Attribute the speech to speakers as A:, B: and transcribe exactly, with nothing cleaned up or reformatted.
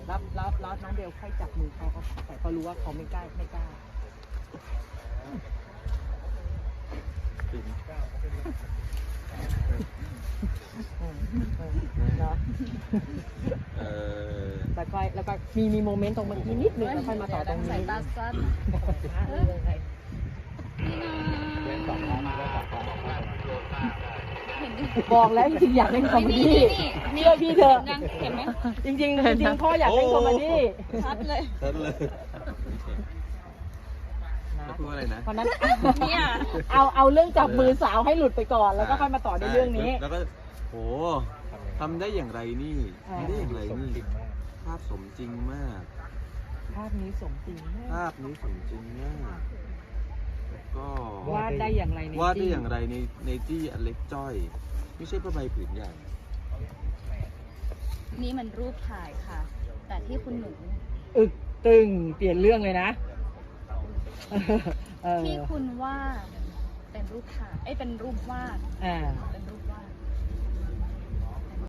A: แล้วแล้วแล้วน้องเบลค่อยจับมือเขาเขาแต่เขารู้ว่าเขาไม่กล้าไม่กล้าเนาะแล้วก็แล้วก็มีมีโมเมนต์ตรงเมื่อกี้นิดนึงแล้วค่อยมาต่อตรงนี้
B: สายตาสั้น
A: บอกแล้วจริงๆอยากเล่นคอมเมดี้เชื่อพี่เถอะ
B: ยังเห็นไหม
A: จริงๆจริงๆพ่ออยากเล่นคอมเมดี้
B: ชัดเลย
C: ชัดเลยพูดอะไรนะ
A: เพราะนั้น
B: เนี่ย
A: เอาเอาเรื่องจับมือสาวให้หลุดไปก่อนแล้วก็ค่อยมาต่อในเรื่องนี้
C: แล้วก็โหทำได้อย่างไรนี่ทำได้อย่างไรนี่ภาพสมจริงมาก
A: ภาพนี้สมจริงมาก
C: ภาพนี้สมจริงมากแล้วก็
A: วาดได้อย่างไรใน
C: วาดได้อย่างไรในในที่อันเล็กจ้อย ไม่ใช่ผ้าใบผืนใหญ่
B: นี่มันรูปถ่ายค่ะ แต่ที่คุณหนู
A: อึกตึงเปลี่ยนเรื่องเลยนะเออ
B: ที่คุณว่าเป็นรูปถ่ายไอ้ยเป็นรูปวาด
A: อ่า
B: เป็น